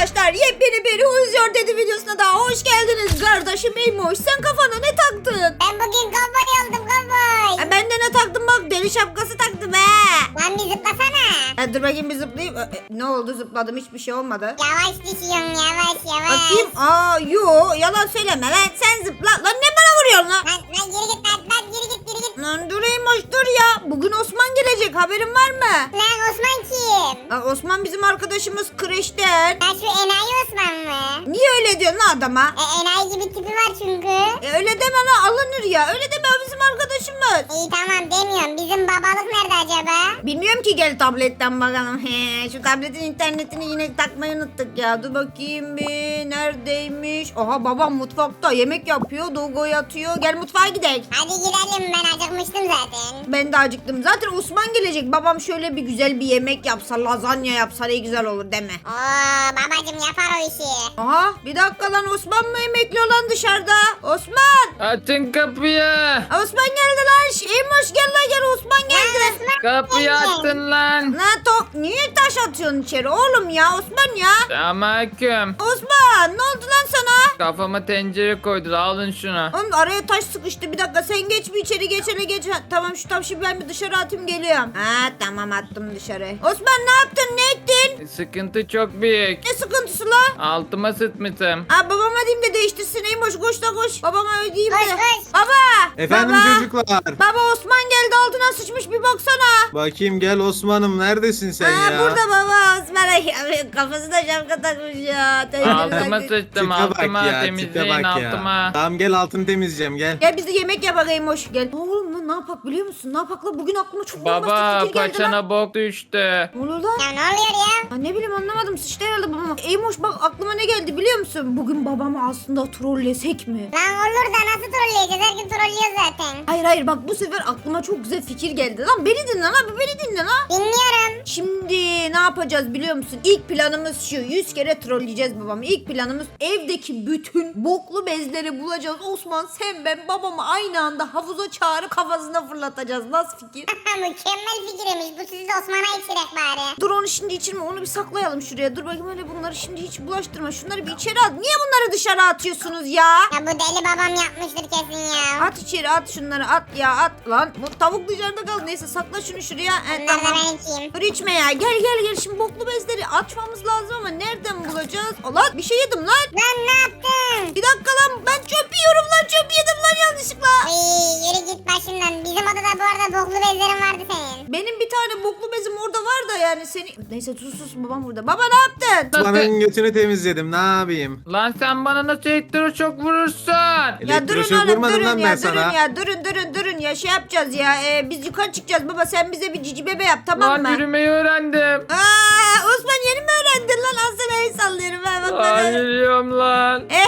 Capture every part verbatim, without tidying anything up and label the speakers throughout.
Speaker 1: arkadaşlar, yepyeni bir Huzuyor Dedi videosuna daha hoş geldiniz. Kardeşim Eymoş, sen kafana ne taktın?
Speaker 2: Ben bugün kovboy oldum kovboy.
Speaker 1: Ha, ben de ne taktım bak, deli şapkası taktım he.
Speaker 2: Lan bir zıplasana.
Speaker 1: Ha, dur bakayım bir zıplayayım. E, ne oldu, zıpladım, hiçbir şey olmadı.
Speaker 2: Yavaş düşüyorum yavaş yavaş.
Speaker 1: Bakayım, aa yo, yalan söyleme lan, sen zıpla. Lan ne bana vuruyorsun lan?
Speaker 2: Lan lan geri git lan lan geri git geri git.
Speaker 1: Lan dur Eymoş dur ya, bugün Osman gelecek, haberin var mı?
Speaker 2: Lan Osman kim?
Speaker 1: Ha, Osman bizim arkadaşımız kreşten.
Speaker 2: Lan şu enayi Osman mı?
Speaker 1: Niye öyle diyorsun lan adama?
Speaker 2: E, enayi gibi tipi var çünkü.
Speaker 1: E, öyle deme lan, alınır ya, öyle deme, o bizim arkadaşımız.
Speaker 2: İyi tamam demiyorum. Bizim babalık nerede acaba?
Speaker 1: Bilmiyorum ki, gel tabletten bakalım. He, şu tabletin internetini yine takmayı unuttuk ya. Dur bakayım bir, neredeymiş? Aha, babam mutfakta yemek yapıyor, Dogo yatıyor. Gel mutfağa gidelim.
Speaker 2: Hadi gidelim ben acıkmıştım zaten.
Speaker 1: Ben de acıktım. Zaten Osman gelecek. Babam şöyle bir güzel bir yemek yapsa, lazanya yapsa ne güzel olur deme.
Speaker 2: Oo babacım yapar o işi.
Speaker 1: Aha, bir dakika lan, Osman mı emekliyor lan dışarıda? Osman!
Speaker 3: Açın kapıyı.
Speaker 1: Osman geldi lan. Eymoş gel lan, gel, Osman geldi.
Speaker 3: Kapıyı açın lan.
Speaker 1: Ne top? Niye taş atıyorsun içeri oğlum ya, Osman ya?
Speaker 3: Selamünaleyküm.
Speaker 1: Osman, ne oldu lan sana?
Speaker 3: Kafama tencere koydu. Alın şunu.
Speaker 1: Oğlum araya taş sıkıştı, bir dakika, sen geç bir içeri, geç hele geç. Ha, tamam, şu taşı ben bir dışarı atayım, geliyorum. Ha tamam, attım dışarı. Osman ne yaptın, ne ettin?
Speaker 3: Sıkıntı çok büyük.
Speaker 1: Ne sıkıntısı la?
Speaker 3: Altıma sıtmışım.
Speaker 1: Ha, babama diyeyim de değiştirsin. Eymoş koş da koş. Babama ödeyeyim de.
Speaker 2: Koş, koş.
Speaker 1: Baba.
Speaker 4: Efendim
Speaker 1: baba.
Speaker 4: çocuklar.
Speaker 1: Baba, Osman geldi, altına sıçmış, bir baksana.
Speaker 4: Bakayım, gel Osman'ım, neredesin sen
Speaker 1: ha,
Speaker 4: ya?
Speaker 1: burada baba, Osman. Ay, kafasına şapka takmış ya.
Speaker 3: Altıma sıçtım.
Speaker 4: Tipe bak
Speaker 3: Altıma
Speaker 4: ya, tipe
Speaker 3: temizleyin
Speaker 4: bak ya.
Speaker 3: altıma.
Speaker 4: Tamam, gel altını temizleyeceğim, gel.
Speaker 1: Gel biz de yemek yapalım Eymoş, gel. Oğlum lan, ne yapak biliyor musun? Ne yapak la? Bugün aklıma çok
Speaker 3: Baba
Speaker 1: bombastik fikir geldi lan.
Speaker 3: paçana bok düştü.
Speaker 1: Ne oluyor lan?
Speaker 2: Ya ne oluyor ya?
Speaker 1: Ya ne bileyim, anlamadım, sıçtı herhalde babama. Eymoş bak, aklıma ne geldi biliyor musun? Bugün babamı aslında trollesek mi?
Speaker 2: Lan olur da nasıl trolleyeceğiz? Her gün trollüyor zaten.
Speaker 1: Hayır hayır, bak bu sefer aklıma çok güzel fikir geldi. Lan beni dinle lan, beni dinle lan.
Speaker 2: Dinliyorum.
Speaker 1: Şimdi ne yapacağız biliyor musun? İlk planımız şu: yüz kere trolleyeceğiz babamı. İlk planımız, evdeki bütün boklu bezleri bulacağız. Osman, sen, ben, babamı aynı anda havuza çağırıp kafasına fırlatacağız. Nasıl fikir?
Speaker 2: Mükemmel fikirmiş. Bu sizi de Osman'a içirek bari.
Speaker 1: Dur, onu şimdi içirme, onu bir saklayalım şuraya. Dur bakayım, öyle bunları şimdi hiç bulaştırma. Şunları bir içeri at. Niye bunları dışarı atıyorsunuz ya?
Speaker 2: Ya bu deli babam yapmıştır kesin ya.
Speaker 1: At içeri, at şunları, at ya, at lan. Bu tavuk dışarıda kaldı. Neyse, sakla şunu şuraya. Evet,
Speaker 2: Bunları da
Speaker 1: tamam.
Speaker 2: ben içeyim.
Speaker 1: Dur içme ya, gel gel gel, şimdi boklu bezleri açmamız lazım ama nereden bulacağız? Lan bir şey yedim lan.
Speaker 2: Lan ne yaptın?
Speaker 1: Bir dakika lan, ben çöp yiyorum lan, çöp yedim lan yanlışlıkla.
Speaker 2: Ay yürü git başımdan. Bizim odada bu arada boklu bezlerin vardı senin.
Speaker 1: Benim bir tane boklu bezim orada var da yani seni... Neyse sus sus, babam burada. Baba ne yaptın?
Speaker 4: Osman'ın götünü temizledim, ne yapayım?
Speaker 3: Lan sen bana nasıl elektroşok vurursun?
Speaker 1: Ya durun
Speaker 4: Elektroşok
Speaker 1: oğlum,
Speaker 4: vurmadım
Speaker 1: durun
Speaker 4: lan
Speaker 1: ya,
Speaker 4: ben
Speaker 1: durun
Speaker 4: sana.
Speaker 1: ya, durun durun durun ya, şey yapacağız ya, ee, biz yukarı çıkacağız baba, sen bize bir cici bebe yap, tamam
Speaker 3: Lan
Speaker 1: mı?
Speaker 3: yürümeyi öğrendim.
Speaker 1: Aa, Osman yeni mi öğrendin lan? Az sana el sallıyorum ben, bak
Speaker 3: Lan
Speaker 1: bana.
Speaker 3: yürüyorum lan.
Speaker 2: Ha,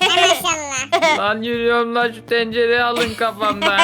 Speaker 2: maşallah.
Speaker 3: Lan yürüyorum lan, şu tencereyi alın kafamdan.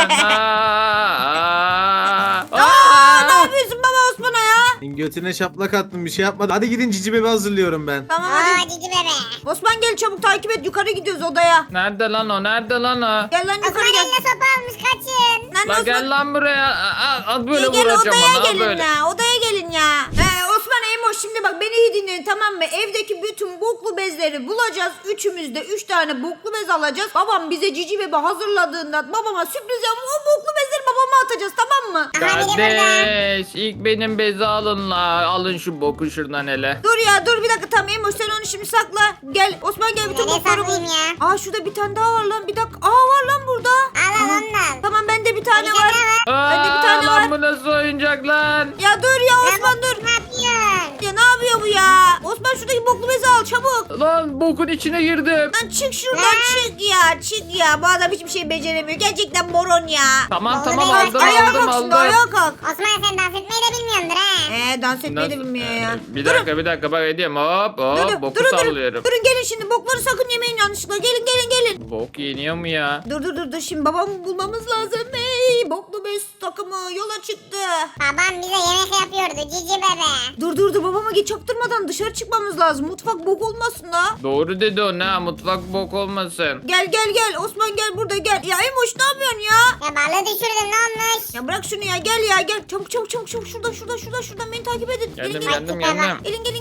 Speaker 3: Aa, aa,
Speaker 1: Aa, ne yapıyorsun baba Osman'a ya?
Speaker 4: Götüne şaplak attım, bir şey yapmadı. Hadi gidin, cici bebe hazırlıyorum ben.
Speaker 1: Tamam hadi.
Speaker 2: Oo cici bebe.
Speaker 1: Osman gel çabuk, takip et, yukarı gidiyoruz odaya.
Speaker 3: Nerede lan o? Nerede lan o?
Speaker 1: Gel lan yukarı
Speaker 2: Osman
Speaker 1: gel.
Speaker 2: eline sopa almış kaçın.
Speaker 1: Lan
Speaker 3: La
Speaker 1: Osman,
Speaker 3: gel lan buraya. Aa, aa, böyle
Speaker 1: gel, gel
Speaker 3: vuracağım
Speaker 1: odaya
Speaker 3: ona
Speaker 1: gelin
Speaker 3: böyle.
Speaker 1: ya, odaya gelin ya. Ee, Osman, Eymoş, şimdi bak beni iyi dinleyin, tamam mı? Evdeki bütün boklu bezleri bulacağız. Üçümüz de üç tane boklu bez alacağız. Babam bize cici bebe hazırladığında babama sürpriz yapıp o boklu bezleri babama atacağız, tamam mı?
Speaker 2: Aha biri burada.
Speaker 3: Kardeş ilk benim bezi alın la. Alın şu boku şuradan hele.
Speaker 1: Dur ya, dur bir dakika, tamam Eymoş, sen onu şimdi sakla. Gel Osman, gel bütün
Speaker 2: Nereye
Speaker 1: bokları bul.
Speaker 2: saklayayım ya?
Speaker 1: Aa, şurada bir tane daha var lan, bir dakika. Aa, var lan burada.
Speaker 2: Al al
Speaker 1: Aha.
Speaker 2: ondan.
Speaker 1: Tamam, bende bir tane
Speaker 2: Bir
Speaker 1: var.
Speaker 2: tane var.
Speaker 3: Aa,
Speaker 1: Bende bir tane
Speaker 3: lan
Speaker 1: var.
Speaker 3: bu nasıl oyuncak lan?
Speaker 1: Ya dur ya Osman, dur.
Speaker 2: Ne yapıyorsun?
Speaker 1: Ya ne yapıyor bu ya? Osman, şuradaki boklu bezi al çabuk.
Speaker 3: Lan bokun içine girdim.
Speaker 1: Lan çık şuradan, çık ya, çık ya. Bu adam hiçbir şey beceremiyor. Gerçekten moron ya.
Speaker 3: Tamam
Speaker 2: Vallahi
Speaker 3: tamam
Speaker 2: ben-
Speaker 3: aldım
Speaker 1: Ayağa
Speaker 3: aldım
Speaker 1: kalk
Speaker 3: aldım.
Speaker 1: şimdi, ayağa kalk.
Speaker 2: Osman sen dans etmeyi de bilmiyordur ha.
Speaker 1: Ee, dans etmeyi de
Speaker 3: Nasıl-
Speaker 1: bilmiyor ya.
Speaker 3: Bir dakika bir dakika bak edeyim hop hop
Speaker 1: Durun,
Speaker 3: boku
Speaker 1: durun, durun.
Speaker 3: sallıyorum.
Speaker 1: Durun, gelin şimdi, bokları sakın yemeyin yanlışlıkla. Gelin gelin gelin.
Speaker 3: Bok yeniyor mu ya?
Speaker 1: Dur dur dur dur, şimdi babamı bulmamız lazım. Hey, boklu bez takımı yola çıktı.
Speaker 2: Babam bize yemek yapıyordu cici bebe.
Speaker 1: Dur dur dur, babama geç çaktırmadan dışarı çıkmamız lazım. Mutfak bok olmasın da.
Speaker 3: Doğru dedi o, ne mutfak bok olmasın.
Speaker 1: Gel gel gel Osman, gel burada gel. Ya Emoş, ne yapıyorsun ya?
Speaker 2: Ya balığı düşürdün ne olmuş?
Speaker 1: Ya bırak şunu ya, gel ya gel. Çabuk çabuk çabuk çabuk, şuradan şuradan şuradan şuradan beni takip edin.
Speaker 3: Geldim
Speaker 1: gelin, gelin.
Speaker 3: geldim geldim.
Speaker 1: Gelin gelin gelin gelin.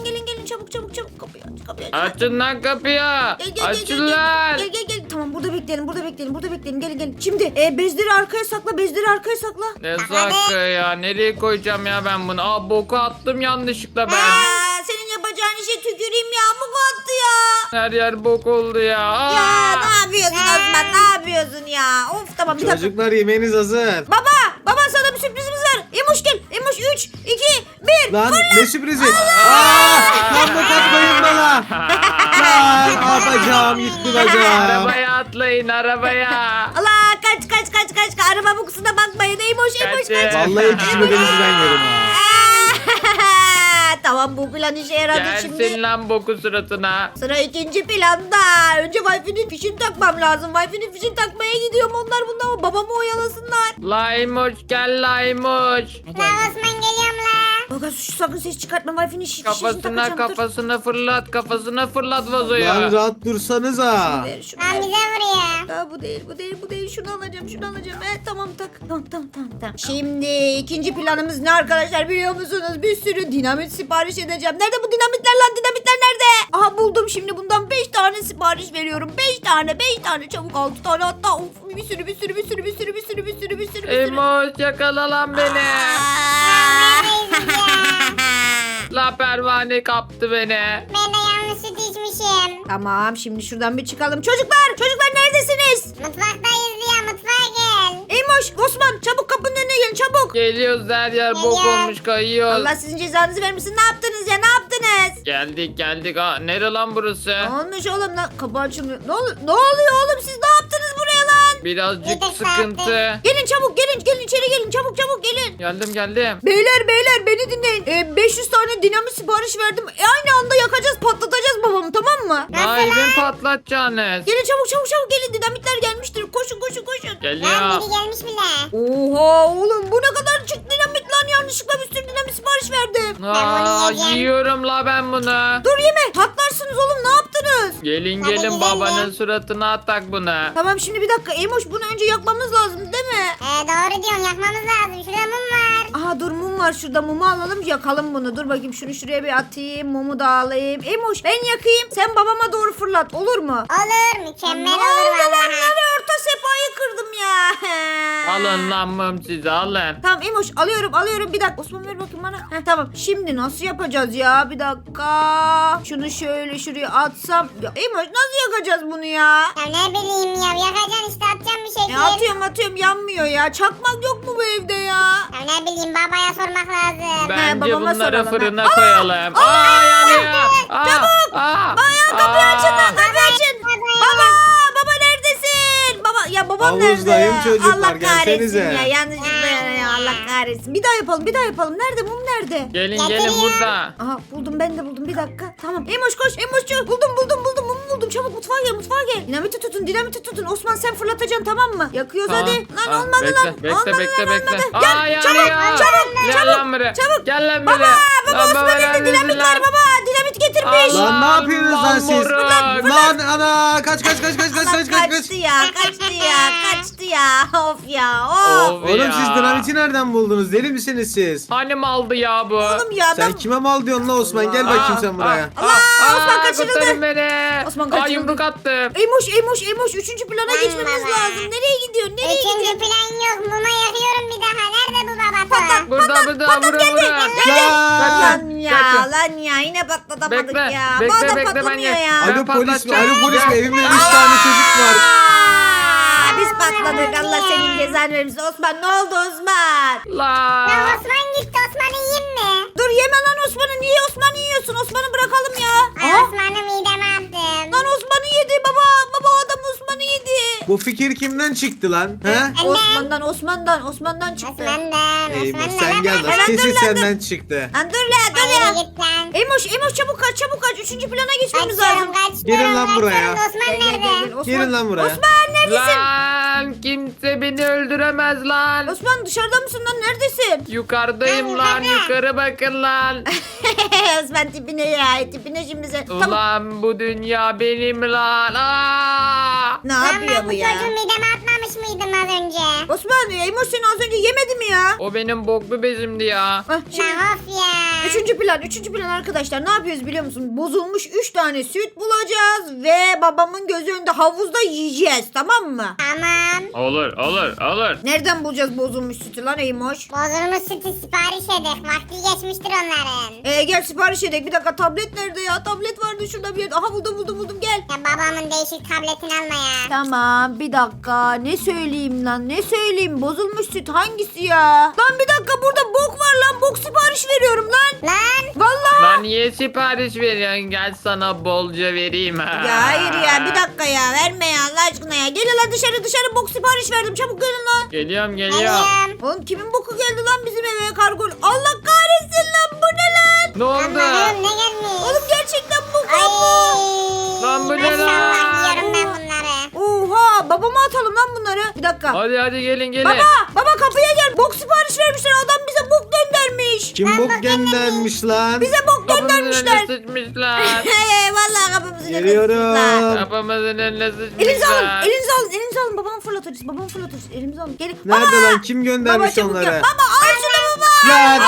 Speaker 1: çabuk çabuk çabuk kapıyı aç kapıyı aç.
Speaker 3: Açın lan kapıyı.
Speaker 1: Gel, gel, gel,
Speaker 3: Açın
Speaker 1: gel,
Speaker 3: lan.
Speaker 1: Gel gel gel. Tamam burada bekleyelim burada bekleyelim burada bekleyelim. Gelin gelin. Şimdi e, bezleri arkaya sakla bezleri arkaya sakla.
Speaker 3: Ne sakı ya? Nereye koyacağım ya ben bunu? Aa boku attım yanlışlıkla ben.
Speaker 1: Aa, senin yapacağın işe tüküreyim ya. Bu attı ya.
Speaker 3: Her yer bok oldu ya. Aa.
Speaker 1: Ya ne yapıyorsun Osman ne yapıyorsun ya? Of tamam bir dakika.
Speaker 4: Çocuklar yemeğiniz hazır.
Speaker 1: Baba baba sana bir sürprizimiz var. Emoş gel. Emoş üç iki bir.
Speaker 4: Lan ne sürprizi? Aa! Lan bu katmayın bana. Lan yapacağım gitti bacağım.
Speaker 3: Arabaya atlayın arabaya.
Speaker 1: Allah kaç kaç kaç kaç. kaç. Araba bu kusuna bakmayın. Emoş Emoş
Speaker 3: Kaçın.
Speaker 1: kaç.
Speaker 4: Vallahi cici bebenizi ben yerim ha.
Speaker 1: Tamam bu plan işe yaradı
Speaker 3: Gelsin
Speaker 1: şimdi.
Speaker 3: lan boku suratına.
Speaker 1: Sıra ikinci planda. Önce Wi-Fi'nin fişini takmam lazım. Wi-Fi'nin fişini takmaya gidiyorum. Onlar bunda ama babamı oyalasınlar.
Speaker 3: Laymoş gel Laymoş.
Speaker 2: La Osman geliyorum la.
Speaker 1: Bak şu sakın ses çıkartma. Wi-Fi'nin şi- fişini
Speaker 3: Kafasına
Speaker 1: takacağım. Dur.
Speaker 3: kafasına fırlat kafasına fırlat vazoyu.
Speaker 4: Lan rahat dursanıza.
Speaker 1: Ver şunu.
Speaker 2: Lan
Speaker 1: ver.
Speaker 2: bize vuruyor.
Speaker 1: Aa, bu değil bu değil bu değil şunu alacağım şunu alacağım. Evet tamam tak tamam tamam tamam tamam. Şimdi ikinci planımız ne arkadaşlar biliyor musunuz? Bir sürü dinamit sipariş edeceğim. Nerede bu dinamitler lan dinamitler nerede? Aha buldum şimdi bundan beş tane sipariş veriyorum. beş tane beş tane çabuk altı tane hatta of bir sürü bir sürü bir sürü bir sürü bir sürü bir sürü bir sürü bir sürü.
Speaker 3: Emoş yakala lan beni.
Speaker 2: Neredeyiz ya?
Speaker 3: La pervane kaptı beni.
Speaker 2: Ben de yanlış süt içmişim.
Speaker 1: Tamam şimdi şuradan bir çıkalım. Çocuklar çocuklar neredesiniz?
Speaker 2: Mutfaktayız ya mutfağa gel.
Speaker 1: Eymoş Osman çabuk kapının önüne gelin çabuk.
Speaker 3: Geliyoruz her yer bok
Speaker 2: Geliyor.
Speaker 3: olmuş kayıyoruz.
Speaker 1: Allah sizin cezanızı vermesin. Ne yaptınız ya ne yaptınız?
Speaker 3: Geldik geldik. Aa, nere lan burası?
Speaker 1: Ne olmuş oğlum lan? Kapı açılmıyor. Ne, ol- ne oluyor oğlum siz ne yaptınız buraya lan?
Speaker 3: Birazcık
Speaker 2: Bir de
Speaker 3: sıkıntı.
Speaker 1: Gelin çabuk gelin gelin içeri gelin çabuk çabuk gelin.
Speaker 3: Geldim geldim.
Speaker 1: Beyler beyler beni dinleyin. Ee, beş yüz tane dinamit sipariş verdim. E, aynı anda yakacağız patlatacağız babamı tamam mı?
Speaker 3: Daha evin patlatacaksınız.
Speaker 1: Gelin çabuk çabuk çabuk gelin dinamitler gelmiştir. Koşun koşun koşun.
Speaker 2: Lan
Speaker 3: Geliyor.
Speaker 2: biri gelmiş bile.
Speaker 1: Oha oğlum bu ne kadar çık dinamit lan yanlışlıkla bir sürü dinamit sipariş verdim.
Speaker 3: Aa,
Speaker 2: yiyeceğim.
Speaker 3: yiyorum la ben bunu.
Speaker 1: Dur yeme patlarsınız oğlum ne yaptınız?
Speaker 3: Gelin
Speaker 2: Hadi
Speaker 3: gelin
Speaker 2: gidelim.
Speaker 3: babanın suratına atak bunu.
Speaker 1: Tamam şimdi bir dakika Emoş bunu önce yakmamız lazım değil mi?
Speaker 2: Ee, doğru diyorsun yakmamız lazım. Şurada mum var.
Speaker 1: Aha dur mum var şurada mumu alalım yakalım bunu. Dur bakayım şunu şuraya bir atayım mumu da alayım. Emoş ben yakayım sen babama doğru fırlat olur mu?
Speaker 2: Olur mükemmel
Speaker 1: Ne
Speaker 2: olur
Speaker 1: oldu lan
Speaker 2: vallahi.
Speaker 1: nereye orta sefayı kırdım ya.
Speaker 3: Alın lan mum sizi alın.
Speaker 1: Tamam Emoş alıyorum alıyorum bir dakika Osman ver bakayım bana. Heh, tamam şimdi nasıl yapacağız ya bir dakika. Şunu şöyle şuraya atsam. Ya, Emoş nasıl yakacağız bunu ya?
Speaker 2: Ya ne bileyim ya yakacaksın işte atacaksın bir şekil.
Speaker 1: Ya atıyorum atıyorum yanmıyor ya. Çakmak yok mu bu evde ya?
Speaker 2: Ya ne bileyim babaya sormak lazım.
Speaker 3: Bence
Speaker 1: babama
Speaker 3: bunları
Speaker 1: soralım,
Speaker 3: fırına
Speaker 1: ha.
Speaker 3: koyalım. Aa, yanıyor. Aa,
Speaker 1: Çabuk.
Speaker 3: Aa,
Speaker 1: Bayağı kapıyı
Speaker 3: aa.
Speaker 1: açın lan kapıyı açın. Baba baba neredesin? Baba ya babam nerede
Speaker 4: Havuzdayım
Speaker 1: ya?
Speaker 4: çocuklar,
Speaker 1: Allah kahretsin
Speaker 4: gelsenize.
Speaker 1: ya yanlışlıkla ya Allah kahretsin. Bir daha yapalım bir daha yapalım. Nerede mum nerede?
Speaker 3: Gelin
Speaker 2: Getir
Speaker 3: gelin
Speaker 2: ya.
Speaker 3: burada.
Speaker 1: Aha buldum ben de buldum bir dakika. Tamam Emoş koş Emoş'cu buldum buldum buldum mumu buldum. Çabuk mutfağa gel mutfağa gel. Dinamiti tutun dinamiti tutun. Osman sen fırlatacaksın tamam mı? Yakıyoruz
Speaker 3: Tamam,
Speaker 1: hadi. Lan
Speaker 3: tamam.
Speaker 1: olmadı
Speaker 3: bekle,
Speaker 1: lan.
Speaker 3: Bekle
Speaker 1: olmadı
Speaker 3: bekle
Speaker 1: lan,
Speaker 3: bekle.
Speaker 1: olmadı.
Speaker 3: Aa
Speaker 1: Gel
Speaker 3: yanıyor.
Speaker 1: çabuk çabuk
Speaker 3: Gel
Speaker 1: çabuk.
Speaker 3: lan buraya.
Speaker 1: Çabuk.
Speaker 3: Gel lan
Speaker 1: Baba
Speaker 3: buraya.
Speaker 1: baba
Speaker 3: Lan
Speaker 1: Osman
Speaker 3: baba,
Speaker 1: elinde
Speaker 3: lan
Speaker 1: dinamit
Speaker 3: lan.
Speaker 1: var baba. Dinamit getirmiş.
Speaker 3: Allah.
Speaker 4: Lan ne yapıyorsunuz lan siz?
Speaker 3: moruk.
Speaker 4: Lan ana kaç kaç kaç kaç kaç
Speaker 1: Allah
Speaker 4: kaç kaç kaç.
Speaker 1: kaçtı ya kaçtı ya kaçtı ya of ya of.
Speaker 3: Of
Speaker 4: Oğlum
Speaker 3: ya.
Speaker 4: siz dinamiti nereden buldunuz? Deli misiniz siz?
Speaker 3: Hani maldı ya bu?
Speaker 1: Oğlum ya
Speaker 4: Sen
Speaker 1: adam.
Speaker 4: kime mal diyorsun lan Osman? Gel bakayım sen buraya.
Speaker 1: Allah, Osman kaçırıldı.
Speaker 3: Kurtarın beni.
Speaker 1: Osman
Speaker 3: Aa,
Speaker 1: kaçırıldı.
Speaker 3: yumruk attım.
Speaker 1: Eymoş Eymoş Eymoş üçüncü plana
Speaker 2: Lan
Speaker 1: geçmemiz
Speaker 2: baba.
Speaker 1: lazım. Nereye gidiyorsun? Nereye
Speaker 2: Üçüncü
Speaker 1: gidiyorsun?
Speaker 2: plan yok. Muma yakıyorum bir daha. Nerede bu babası?
Speaker 3: Burada burada vura vura.
Speaker 4: Lan.
Speaker 1: Lan ya
Speaker 3: Kaçın.
Speaker 1: lan ya yine patlatamadık
Speaker 3: Bekle,
Speaker 1: ya.
Speaker 3: bekle,
Speaker 1: Bu adam
Speaker 3: bekle, ben
Speaker 1: patlamıyor
Speaker 3: gel-
Speaker 1: ya.
Speaker 3: Ben
Speaker 4: Alo polis mi?
Speaker 3: patlatacağım.
Speaker 4: Alo polis mi? Evimde üç tane çocuk var.
Speaker 1: Aa, biz patladık Allah senin cezanı vermesin. Osman ne oldu Osman?
Speaker 2: Ya
Speaker 3: La.
Speaker 2: Osman gitti. Osman'ı yiyeyim mi?
Speaker 1: Dur yeme lan Osman'ı. Niye Osman'ı yiyorsun? Osman'ı bırakalım ya.
Speaker 2: Ay
Speaker 1: Aa,
Speaker 2: Osman'ı mideme attım.
Speaker 1: lan Osman'ı yedi baba. Baba o adam Osman'ı yedi.
Speaker 4: Bu fikir kimden çıktı lan? He?
Speaker 2: Anne.
Speaker 1: Osman'dan Osman'dan Osman'dan çıktı.
Speaker 2: Osman'dan.
Speaker 4: Eymoş
Speaker 2: Osman'dan.
Speaker 4: sen gel
Speaker 1: Hemen
Speaker 4: lan.
Speaker 1: dur
Speaker 4: Kesin
Speaker 1: lan, dur.
Speaker 4: senden çıktı.
Speaker 1: Lan dur la dur
Speaker 2: Hayır
Speaker 1: ya.
Speaker 2: git lan.
Speaker 1: Eymoş Eymoş çabuk kaç çabuk kaç. Üçüncü plana geçmemiz lazım.
Speaker 2: Kaçıyorum kaçıyorum.
Speaker 4: Gelin lan buraya.
Speaker 2: kaçıyorum. Osman
Speaker 1: Gel, gel, gel,
Speaker 2: nerede?
Speaker 1: gel. Osman,
Speaker 4: Gelin lan buraya.
Speaker 1: Osman neredesin?
Speaker 3: Lan kimse beni öldüremez lan.
Speaker 1: Osman dışarıda mısın lan? Neredesin?
Speaker 3: Yukarıdayım lan yukarı bakın lan.
Speaker 1: Osman tipine ya. Tipine şimdi sen. Tamam.
Speaker 3: Ulan bu dünya benim lan. Aa!
Speaker 1: Ne
Speaker 2: Lan
Speaker 1: yapıyor
Speaker 2: ben
Speaker 1: bu
Speaker 2: bu
Speaker 1: ya?
Speaker 2: çocuğu mideme atmamıştım. almamış mıydın az önce?
Speaker 1: Osman Eymoş seni az önce yemedi mi ya?
Speaker 3: O benim boklu bezimdi ya.
Speaker 1: Hah, şimdi
Speaker 2: Lan of ya.
Speaker 1: üçüncü plan, üçüncü plan arkadaşlar ne yapıyoruz biliyor musun? Bozulmuş üç tane süt bulacağız ve babamın gözü önünde havuzda yiyeceğiz, tamam mı?
Speaker 2: Tamam.
Speaker 3: Olur olur olur.
Speaker 1: Nereden bulacağız bozulmuş sütü lan Eymoş?
Speaker 2: Bozulmuş sütü sipariş edek. Vakti geçmiştir onların.
Speaker 1: Ee, gel sipariş edelim. Bir dakika, tablet nerede ya? Tablet vardı şurada bir yerde. Aha buldum buldum buldum gel.
Speaker 2: Ya babamın değişik tabletini alma ya.
Speaker 1: Tamam bir dakika, ne söyleyeyim lan, ne söyleyeyim, bozulmuş süt hangisi ya? Lan bir dakika, burada bok var lan, bok sipariş veriyorum lan.
Speaker 2: Lan.
Speaker 1: Vallahi.
Speaker 3: Lan niye sipariş veriyorsun? Gel sana bolca vereyim ha.
Speaker 1: Ya hayır ya, bir dakika ya, verme ya Allah aşkına ya. Gelin lan dışarı, dışarı bok sipariş verdim, çabuk gelin lan.
Speaker 3: Geliyorum geliyorum.
Speaker 2: Geliyorum.
Speaker 1: Oğlum kimin boku geldi lan bizim eve, kargo? Allah kahretsin lan, bu ne lan?
Speaker 3: Ne oldu?
Speaker 2: Allah'ım ne gelmiş?
Speaker 1: Oğlum gerçekten bok
Speaker 2: Ay.
Speaker 1: lan bu.
Speaker 3: Lan bu ne
Speaker 2: Maşallah
Speaker 3: lan?
Speaker 2: yiyorum ben bunları.
Speaker 1: Oha, babama atalım lan bunları. Bir dakika.
Speaker 3: Hadi hadi gelin gelin.
Speaker 1: Baba, baba kapıya gel. Bok sipariş vermişler. Adam bize bok göndermiş.
Speaker 4: Kim bok göndermiş lan?
Speaker 1: Bize bok
Speaker 3: Kapımızın
Speaker 1: göndermişler.
Speaker 3: önüne sıçmışlar.
Speaker 1: Hey, vallahi kapımızın önüne
Speaker 4: Geliyorum.
Speaker 1: sıçmışlar.
Speaker 3: Kapımızın önüne
Speaker 1: Elinizi alın,
Speaker 3: sıçmışlar.
Speaker 1: elinizi alın, elinizi alın. Babamı fırlatırız, babamı fırlatırız. Elimizi alın. Gelin.
Speaker 4: Nerede
Speaker 1: Baba!
Speaker 4: lan? Kim göndermiş
Speaker 1: Baba çabuk
Speaker 4: onları?
Speaker 1: gel. Baba al şunu baba.
Speaker 4: Lan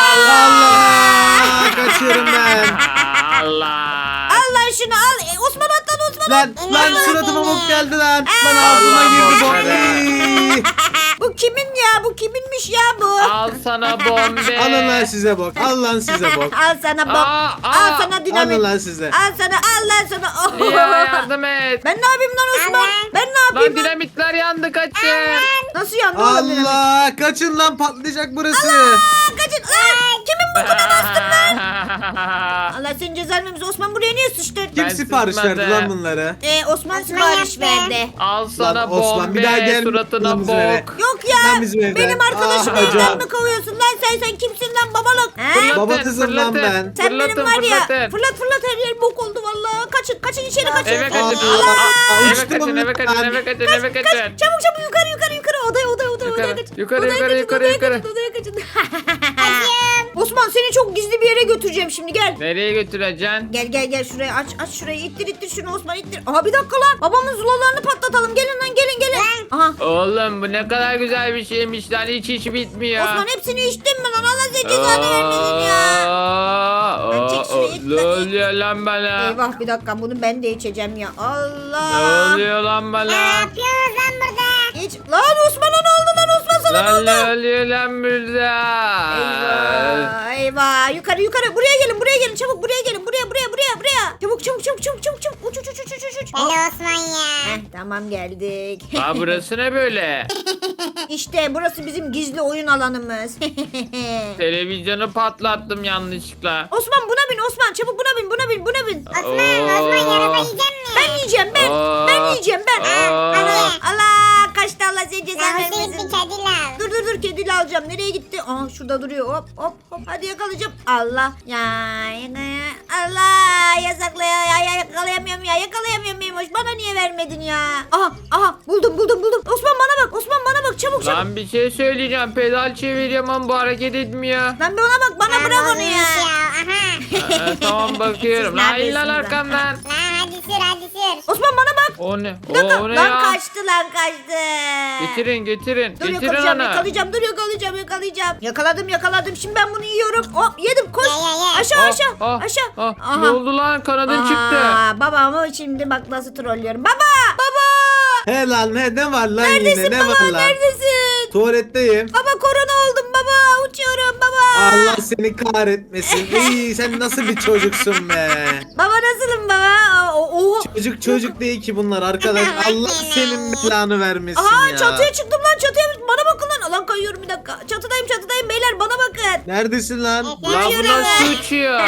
Speaker 4: Allah! Kaçıyorum ben.
Speaker 3: Allah.
Speaker 1: Al lan şunu al. E, Osman atladı, Osman
Speaker 4: Lan
Speaker 1: atladı.
Speaker 4: lan suratıma bok geldi lan. Lan ağzıma girdi bok. Ey!
Speaker 1: Bu kimin ya? Bu kiminmiş ya bu?
Speaker 3: Al sana bombe.
Speaker 4: Alın lan size bok. Al lan size bok.
Speaker 1: Al sana bok.
Speaker 3: Aa,
Speaker 1: Al
Speaker 3: aa.
Speaker 1: sana dinamit.
Speaker 4: Alın lan size.
Speaker 1: Al sana, al lan sana. Oh.
Speaker 3: Ya yardım et.
Speaker 1: Ben ne yapayım lan Osman?
Speaker 2: Allah.
Speaker 1: Ben ne yapayım
Speaker 3: Lan
Speaker 1: lan?
Speaker 3: dinamitler yandı kaçın.
Speaker 1: Nasıl yandı oğlum dinamit?
Speaker 4: Allah! Kaçın lan patlayacak burası.
Speaker 1: Aa, kaçın. Lan kimin bokuna bastın lan? Allah senin cezanı vermesin. Osman buraya niye sıçtın?
Speaker 4: Kim
Speaker 3: Ben
Speaker 4: sipariş verdi
Speaker 3: sıkmadım.
Speaker 4: lan bunları?
Speaker 1: Ee, Osman
Speaker 2: Osman
Speaker 1: sipariş
Speaker 2: yaptı.
Speaker 1: verdi.
Speaker 3: Al sana
Speaker 4: Lan Osman,
Speaker 3: bombe
Speaker 4: bir daha gelme
Speaker 3: suratına
Speaker 4: lan bizim eve.
Speaker 3: bok.
Speaker 1: Yok ya.
Speaker 4: Lan bizim evden.
Speaker 1: Benim arkadaşımı
Speaker 4: Ah,
Speaker 1: evden
Speaker 4: hocam.
Speaker 1: mi kovuyorsun lan sen? Sen kimsin lan babalık? He?
Speaker 3: Fırlatın,
Speaker 4: Baba kızım lan
Speaker 3: fırlatın.
Speaker 4: ben.
Speaker 1: Sen benim
Speaker 3: Fırlatın,
Speaker 1: var ya.
Speaker 3: fırlatın.
Speaker 1: Fırlat fırlat, her yer bok oldu vallahi. Kaçın kaçın içeri kaçın.
Speaker 3: Eve kaçın.
Speaker 4: Allah!
Speaker 3: Aa, Eve
Speaker 4: Uçtum
Speaker 3: kaçın, eve kaçın,
Speaker 4: lan.
Speaker 3: eve kaçın, eve
Speaker 1: Kaç,
Speaker 3: kaçın.
Speaker 1: çabuk çabuk yukarı yukarı yukarı, odaya odaya odaya
Speaker 3: Yukarı,
Speaker 1: odaya kaçın.
Speaker 3: yukarı,
Speaker 1: Odaya
Speaker 3: yukarı,
Speaker 1: kaçın,
Speaker 3: yukarı,
Speaker 1: odaya
Speaker 3: yukarı.
Speaker 1: kaçın, odaya kaçın. Osman seni çok gizli bir yere götüreceğim şimdi, gel.
Speaker 3: Nereye götüreceksin?
Speaker 1: Gel gel gel şuraya, aç aç şurayı, ittir ittir şunu Osman, ittir. Aha bir dakika lan, babamın zulalarını patlatalım, gelin lan gelin gelin. Aha
Speaker 3: Oğlum bu ne kadar güzel bir şeymiş lan, hiç hiç bitmiyor.
Speaker 1: Osman hepsini içtin mi lan, Allah senin cezanı vermesin ya.
Speaker 3: Aa,
Speaker 1: Lan çek şurayı,
Speaker 3: aa,
Speaker 1: it
Speaker 3: Ne
Speaker 1: lan, it.
Speaker 3: oluyor lan bana?
Speaker 1: Eyvah bir dakika, bunu ben de içeceğim ya.
Speaker 3: Ne
Speaker 1: Allah.
Speaker 3: oluyor lan
Speaker 2: Ne
Speaker 3: bana?
Speaker 2: yapıyorsunuz lan burada?
Speaker 1: İç. Lan Osman'a ne oldu lan, Osman sana ne
Speaker 3: Lan
Speaker 1: oldu?
Speaker 3: ne oluyor lan burada?
Speaker 1: Eyvah eyvah, yukarı yukarı, buraya gelin buraya gelin, çabuk buraya gelin, buraya buraya buraya buraya. Çabuk çabuk çabuk çabuk çabuk çabuk, uç uç uç uç uç uç.
Speaker 2: Deli Osman ya.
Speaker 1: Heh, tamam geldik.
Speaker 3: Aa burası ne böyle?
Speaker 1: İşte burası bizim gizli oyun alanımız.
Speaker 3: Televizyonu patlattım yanlışlıkla.
Speaker 1: Osman buna bin, Osman çabuk buna bin, buna bin, buna bin.
Speaker 2: Osman, Osman yarasa yiyecek mi?
Speaker 1: Ben yiyeceğim ben.
Speaker 3: Aa.
Speaker 1: Ben yiyeceğim ben.
Speaker 3: Aa.
Speaker 1: Allah, Allah kaçtı, Allah seni cezanı
Speaker 2: Namuslu
Speaker 1: vermesin.
Speaker 2: bir kedi lan.
Speaker 1: Dur dur dur, kediyle alacağım. Nereye gitti? Aa şurada duruyor. Hop hop hop. Hadi yakalayacağım. Allah. Ya yakala- Allah yasakla ya, ya, ya yakalayamıyorum ya. Yakalayamıyorum Memoş. Bana niye vermedin ya? Aha aha buldum buldum buldum. Osman bana bak. Osman bana bak. Çabuk çabuk. Lan,
Speaker 3: Lan bir şey söyleyeceğim. Pedal çeviriyorum ama bu hareket etmiyor.
Speaker 1: bir ona bak. Bana
Speaker 2: Lan
Speaker 1: bırak onu
Speaker 2: bozulmuş
Speaker 1: ya.
Speaker 2: Aha.
Speaker 3: Aa, tamam bakıyorum.
Speaker 1: Siz
Speaker 3: Lan lan
Speaker 1: neredesiniz lan?
Speaker 3: arkamdan.
Speaker 2: Lan hadi sür hadi sür.
Speaker 1: Osman bana bak.
Speaker 3: O ne?
Speaker 1: Bir dakika.
Speaker 3: O, o ne
Speaker 1: lan
Speaker 3: ya?
Speaker 1: kaçtı lan kaçtı.
Speaker 3: Getirin getirin.
Speaker 1: Dur
Speaker 3: Getirin
Speaker 1: yakalayacağım,
Speaker 3: onu.
Speaker 1: yakalayacağım, dur yakalayacağım, yakalayacağım. Yakaladım, yakaladım. Şimdi ben bunu yiyorum. Hop, yedim. Koş.
Speaker 2: Ye, ye, ye.
Speaker 1: Aşağı,
Speaker 3: Ah,
Speaker 1: aşağı,
Speaker 3: ah,
Speaker 1: aşağı.
Speaker 3: ah.
Speaker 1: Aha.
Speaker 3: Ne oldu lan? Kanadın çıktı.
Speaker 1: Aa, babamı şimdi bak nasıl trollüyorum. Baba! Baba!
Speaker 4: He lan he ne var lan
Speaker 1: Neredesin
Speaker 4: yine ne
Speaker 1: baba?
Speaker 4: var lan?
Speaker 1: Neredesin?
Speaker 4: Tuvaletteyim.
Speaker 1: Baba korona oldum baba. Uçuyorum baba.
Speaker 4: Allah seni kahretmesin. İyi sen nasıl bir çocuksun be.
Speaker 1: Baba nasılım baba? Aa, o- Oha.
Speaker 4: Çocuk çocuk değil ki bunlar arkadaş. Allah senin belanı vermesin
Speaker 1: Aha
Speaker 4: ya.
Speaker 1: çatıya çıktım lan, çatıya. Bana bakın lan. Lan kayıyorum bir dakika. Çatıdayım çatıdayım beyler, bana bakın.
Speaker 4: Neredesin lan?
Speaker 3: Lan bu
Speaker 1: Uçuyorum.
Speaker 3: nasıl uçuyor?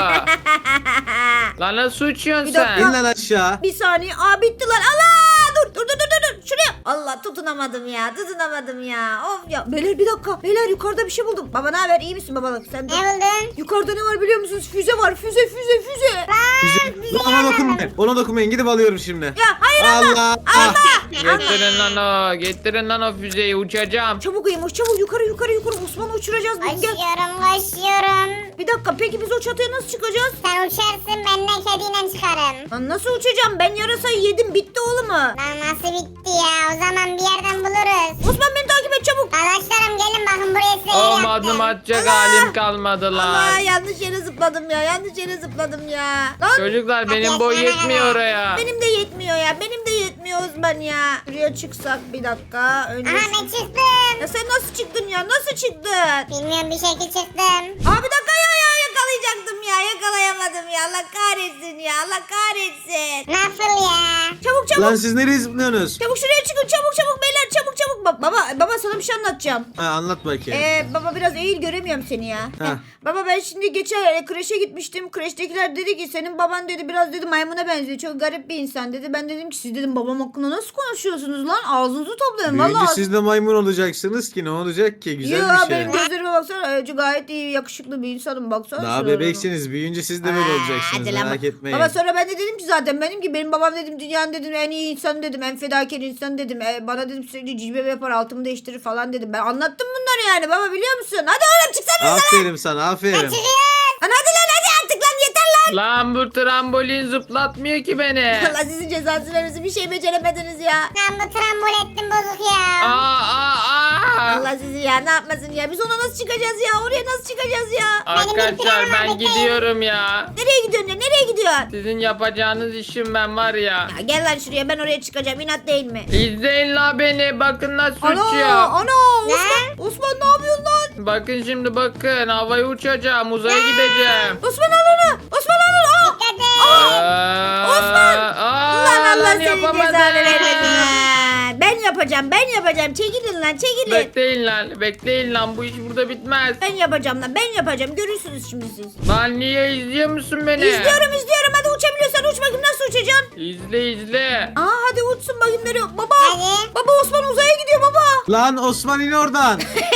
Speaker 3: Lan nasıl uçuyorsun
Speaker 1: Bir
Speaker 3: sen?
Speaker 1: dakika.
Speaker 4: İn lan aşağı.
Speaker 1: Bir saniye. Aa bitti lan. Allah! Dur dur dur dur dur. Şuraya. Allah tutunamadım ya. Tutunamadım ya. Of ya. Beyler bir dakika. Beyler yukarıda bir şey buldum. Baba ne haber? İyi misin babalık? Sen de.
Speaker 2: Ne buldun?
Speaker 1: Yukarıda ne var biliyor musunuz? Füze var. Füze füze füze.
Speaker 4: Bizim... Lan ona dokunmayın. Ona dokunmayın. Gidip alıyorum şimdi.
Speaker 1: Ya hayır Hayır
Speaker 4: Allah.
Speaker 1: alma.
Speaker 3: Getirin lan o. Getirin lan o füzeyi uçacağım.
Speaker 1: Çabuk Eymoş çabuk yukarı yukarı yukarı. Osman'ı uçuracağız. Biz gel.
Speaker 2: Koşuyorum koşuyorum.
Speaker 1: Bir dakika peki biz o çatıya nasıl çıkacağız?
Speaker 2: Sen uçarsın ben de kediyle çıkarım.
Speaker 1: Lan nasıl uçacağım? Ben yarasayı yedim bitti oğlum mu?
Speaker 2: Lan nasıl bitti ya? O zaman bir yerden buluruz.
Speaker 1: Osman beni takip et çabuk.
Speaker 2: Arkadaşlarım gelin bakın buraya size yer
Speaker 3: O
Speaker 2: yaptım.
Speaker 3: adım atacak
Speaker 1: Allah!
Speaker 3: halim kalmadı
Speaker 1: Allah
Speaker 3: lan.
Speaker 1: yanlış yere zıpladım ya. Yanlış yere zıpladım ya. Lan
Speaker 3: Çocuklar benim boy yetmiyor oraya.
Speaker 1: benim de yetmiyor ya. Benim de yetmiyor Osman ya. Şuraya çıksak bir dakika. Önce
Speaker 2: Aha
Speaker 1: şu-
Speaker 2: ben çıktım.
Speaker 1: Ya sen nasıl çıktın ya? Nasıl çıktın?
Speaker 2: Bilmiyorum bir şekilde çıktım.
Speaker 1: Aa bir dakika ya, ya yakalayacaktım ya. Yakalayamadım ya. Allah kahretsin ya. Allah kahretsin.
Speaker 2: Nasıl ya?
Speaker 1: Çabuk çabuk.
Speaker 4: Lan siz nereye zıplıyorsunuz?
Speaker 1: Çabuk şuraya çıkın. Çabuk çabuk beyler. Çabuk çabuk. Ba- baba baba sana bir şey anlatacağım.
Speaker 4: Ha, anlat bakayım.
Speaker 1: Ee, baba biraz eğil göremiyorum seni ya.
Speaker 4: Heh.
Speaker 1: Heh. Baba ben şimdi geçen e, kreşe gitmiştim. Kreştekiler dedi ki senin baban dedi biraz dedi maymuna benziyor. Çok garip bir insan dedi. Ben dedim ki siz dedim babam hakkında nasıl konuşuyorsunuz lan? Ağzınızı toplayın.
Speaker 4: Büyüyünce
Speaker 1: Vallahi.
Speaker 4: siz de maymun olacaksınız ki ne olacak ki? Güzel
Speaker 1: Ya
Speaker 4: bir şey.
Speaker 1: benim gözlerime baksana. Ee, gayet iyi yakışıklı bir insanım baksana.
Speaker 4: Daha
Speaker 1: şuna.
Speaker 4: bebeksiniz. Büyüyünce siz de böyle
Speaker 1: Aa,
Speaker 4: olacaksınız.
Speaker 1: hadi lan
Speaker 4: Merak
Speaker 1: bak.
Speaker 4: etmeyin.
Speaker 1: Baba sonra ben de dedim ki zaten benim ki benim babam dedim dünyanın dedim en iyi insan dedim. En fedakar insan dedim. E, bana dedim sürekli cilve yapar altımı değiştirir falan dedim. Ben anlattım bunları yani baba biliyor musun? Hadi oğlum çıksana.
Speaker 4: Aferin sana aferin.
Speaker 2: Çıkıyoruz.
Speaker 1: Lan hadi lan hadi artık lan yeter lan.
Speaker 3: Lan bu trambolin zıplatmıyor ki beni.
Speaker 1: Allah sizin cezasını vermesin bir şey beceremediniz ya.
Speaker 2: Lan bu trambol ettim bozuk ya.
Speaker 3: Aa aa aa.
Speaker 1: Allah sizi ya ne yapmasın ya. Biz ona nasıl çıkacağız ya? Oraya nasıl çıkacağız ya?
Speaker 3: Arkadaşlar ben gidiyorum ya.
Speaker 1: Nereye gidiyorsun ya? Nereye gidiyorsun?
Speaker 3: Sizin yapacağınız işim ben var ya.
Speaker 1: Ya gel lan şuraya ben oraya çıkacağım. İnat değil mi?
Speaker 3: İzleyin la beni. Bakın nasıl
Speaker 1: Ana
Speaker 3: uçuyor.
Speaker 1: ana Osman. Osman ne yapıyorsun lan?
Speaker 3: Bakın şimdi bakın. Havaya uçacağım. Uzaya gideceğim.
Speaker 1: Osman al onu. Osman al onu. Aa!
Speaker 2: Dikkat et.
Speaker 3: Aa,
Speaker 1: Osman!
Speaker 3: aa,
Speaker 1: Lan Allah
Speaker 3: lan
Speaker 1: senin
Speaker 3: yapamadım.
Speaker 1: cezanı vermesin ya. Ben yapacağım ben yapacağım. Çekilin lan çekilin.
Speaker 3: Bekleyin lan. Bekleyin lan. Bu iş burada bitmez.
Speaker 1: Ben yapacağım lan ben yapacağım. Görürsünüz şimdi siz.
Speaker 3: Lan niye izliyor musun beni?
Speaker 1: İzliyorum izliyorum. Hadi uçabiliyorsan uç bakayım nasıl uçacaksın?
Speaker 3: İzle izle.
Speaker 1: Aa hadi uçsun bakayım nereye. Baba.
Speaker 2: Hadi.
Speaker 1: Baba Osman uzaya gidiyor baba.
Speaker 4: Lan Osman in oradan.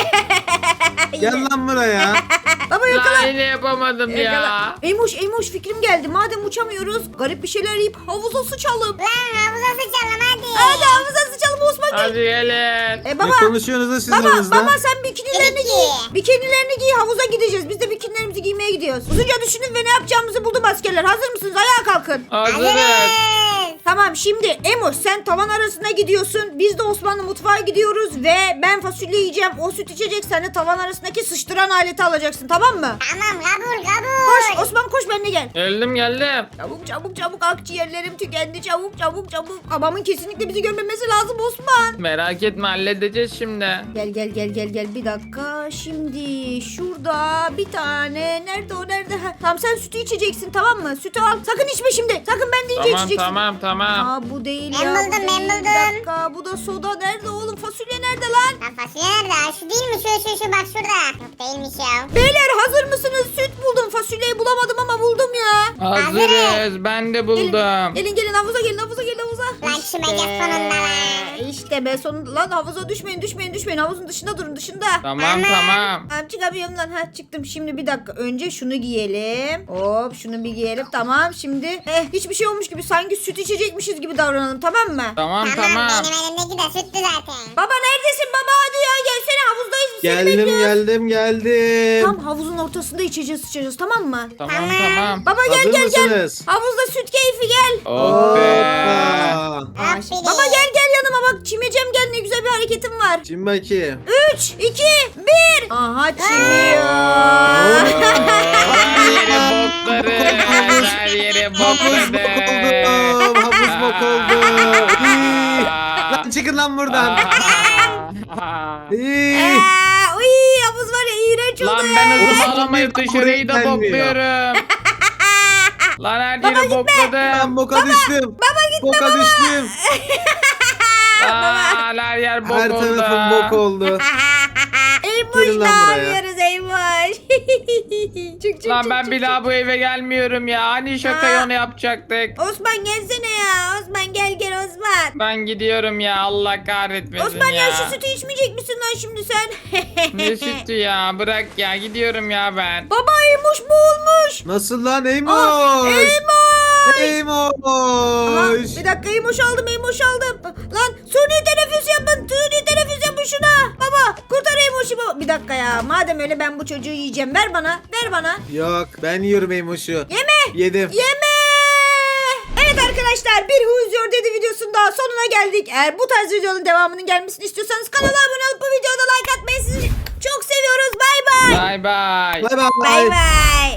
Speaker 4: Gel lan buraya.
Speaker 1: Baba yakala.
Speaker 3: Lan yine yapamadım ya.
Speaker 1: Yakala. Eymoş Eymoş fikrim geldi. Madem uçamıyoruz garip bir şeyler yiyip havuza sıçalım.
Speaker 2: Lan havuza sıçalım hadi.
Speaker 1: Hadi havuza sıçalım Osman gel.
Speaker 3: Hadi gelin.
Speaker 1: E
Speaker 4: Ne
Speaker 1: baba.
Speaker 4: konuşuyorsunuz da siz
Speaker 1: Baba
Speaker 4: aranızda?
Speaker 1: baba sen bikinilerini
Speaker 2: Peki.
Speaker 1: giy. Bikinilerini giy havuza gideceğiz. Biz de bikinilerimizi giymeye gidiyoruz. Uzunca düşünün ve ne yapacağımızı buldum askerler. Hazır mısınız? Ayağa kalkın.
Speaker 3: Hazırız.
Speaker 2: Hazırız.
Speaker 1: Tamam şimdi Emoş sen tavan arasına gidiyorsun. Biz de Osmanlı mutfağa gidiyoruz ve ben fasulye yiyeceğim. O süt içecek. Sen de tavan arasındaki sıçtıran aleti alacaksın tamam mı?
Speaker 2: Tamam kabul
Speaker 1: Koş
Speaker 2: kabul.
Speaker 1: Osman koş benimle gel.
Speaker 3: Geldim geldim.
Speaker 1: Çabuk çabuk çabuk akciğerlerim tükendi çabuk çabuk çabuk. Babamın kesinlikle bizi görmemesi lazım Osman.
Speaker 3: Merak etme halledeceğiz şimdi.
Speaker 1: Gel gel gel gel gel bir dakika. Şimdi şurada bir tane nerede o nerede? Ha, tamam sen sütü içeceksin tamam mı? Sütü al. Sakın içme şimdi. Sakın ben deyince
Speaker 3: Tamam
Speaker 1: içeceksin.
Speaker 3: tamam tamam.
Speaker 1: Aa bu değil
Speaker 2: Ben
Speaker 1: ya. bu
Speaker 2: buldum, ben
Speaker 1: değil.
Speaker 2: buldum.
Speaker 1: Bir dakika bu da soda nerede oğlum? Fasulye nerede lan?
Speaker 2: Lan fasulye nerede? Ha, Şu değil mi? Şu şu şu bak şurada. Yok değilmiş ya.
Speaker 1: Beyler hazır mısınız? Süt buldum. Fasulyeyi bulamadım ama buldum ya.
Speaker 3: Hazırız. Ben de buldum.
Speaker 1: Gelin, gelin gelin havuza gelin havuza gelin havuza.
Speaker 2: Lan kime gel sonunda lan.
Speaker 1: İşte be sonunda lan havuza düşmeyin düşmeyin düşmeyin. Havuzun dışında durun dışında.
Speaker 3: Tamam tamam.
Speaker 1: Tamam çıkamıyorum lan. Ha çıktım. Şimdi bir dakika. Önce şunu giyelim. Hop şunu bir giyelim. Tamam şimdi. Eh hiçbir şey olmuş gibi. Sanki süt içecekmişiz gibi davranalım tamam mı?
Speaker 3: Tamam
Speaker 2: Tamam
Speaker 3: tamam.
Speaker 2: benim elimdeki de süttü zaten.
Speaker 1: Baba neredesin baba hadi ya gelsene havuzdayız biz seni
Speaker 4: Geldim
Speaker 1: bekliyoruz.
Speaker 4: geldim geldim.
Speaker 1: Tam havuzun ortasında içeceğiz sıçacağız tamam mı?
Speaker 3: Tamam tamam.
Speaker 1: Baba gel
Speaker 4: Hazır
Speaker 1: gel gel.
Speaker 4: mısınız?
Speaker 1: Havuzda süt keyfi gel.
Speaker 3: Oh be.
Speaker 4: Hoppa.
Speaker 1: Aa,
Speaker 2: Aferin.
Speaker 1: baba gel gel yanıma bak çimeceğim gel ne güzel bir hareketim var.
Speaker 4: Şimdi bakayım.
Speaker 1: üç, iki, bir. Aha çimiyor.
Speaker 3: Her yere bokları. Her yere
Speaker 4: Havuz bok
Speaker 3: bokları.
Speaker 4: oldu. Havuz bok oldu. İyi. Lan çıkın lan buradan. İyi.
Speaker 1: Aa, uy havuz var ya iğrenç oldu
Speaker 3: Lan
Speaker 1: ya.
Speaker 3: ben hızlı
Speaker 4: Olsun,
Speaker 3: bağlamayıp
Speaker 4: bir
Speaker 3: dışarıyı da
Speaker 4: gelmiyor.
Speaker 3: bokluyorum. Lan her
Speaker 1: Baba
Speaker 3: yere
Speaker 1: gitme.
Speaker 3: bokladım.
Speaker 4: Ben boka düştüm.
Speaker 1: Baba gitme
Speaker 4: Boka
Speaker 1: baba.
Speaker 4: düştüm.
Speaker 3: Aa, her yer bok
Speaker 4: Her
Speaker 3: oldu.
Speaker 4: tarafım bok oldu.
Speaker 1: Eymuş
Speaker 4: Gelin
Speaker 1: ne
Speaker 4: lan buraya.
Speaker 1: yapıyoruz Eymuş? çık çık
Speaker 3: Lan
Speaker 1: çık,
Speaker 3: ben
Speaker 1: çık,
Speaker 3: bir
Speaker 1: çık.
Speaker 3: daha bu eve gelmiyorum ya. Hani şakayı
Speaker 1: Aa.
Speaker 3: onu yapacaktık.
Speaker 1: Osman gelsene ya. Osman gel gel Osman.
Speaker 3: Ben gidiyorum ya. Allah kahretmesin
Speaker 1: Osman ya.
Speaker 3: ya.
Speaker 1: şu sütü içmeyecek misin lan şimdi sen?
Speaker 3: Ne sütü ya? Bırak ya. Gidiyorum ya ben.
Speaker 1: Baba Eymuş boğulmuş.
Speaker 4: Nasıl lan
Speaker 1: Ah,
Speaker 4: Eymoş?
Speaker 1: Eymuş. Aha,
Speaker 4: Eymoş.
Speaker 1: bir dakika Eymoş aldım Eymoş aldım. Lan suni teneffüs yapın. Suni teneffüs yapın şuna. Baba kurtar Eymoş'u baba. Bir dakika ya. Madem öyle ben bu çocuğu yiyeceğim. Ver bana. Ver bana.
Speaker 4: Yok ben yiyorum Eymoş'u.
Speaker 1: Yeme.
Speaker 4: Yedim.
Speaker 1: Yeme. Evet arkadaşlar bir Who's Your Daddy videosunun daha sonuna geldik. Eğer bu tarz videonun devamının gelmesini istiyorsanız kanala abone olup bu videoda like atmayı sizi çok seviyoruz. Bay bay.
Speaker 3: Bay bay.
Speaker 4: Bay bay.
Speaker 1: Bay bay.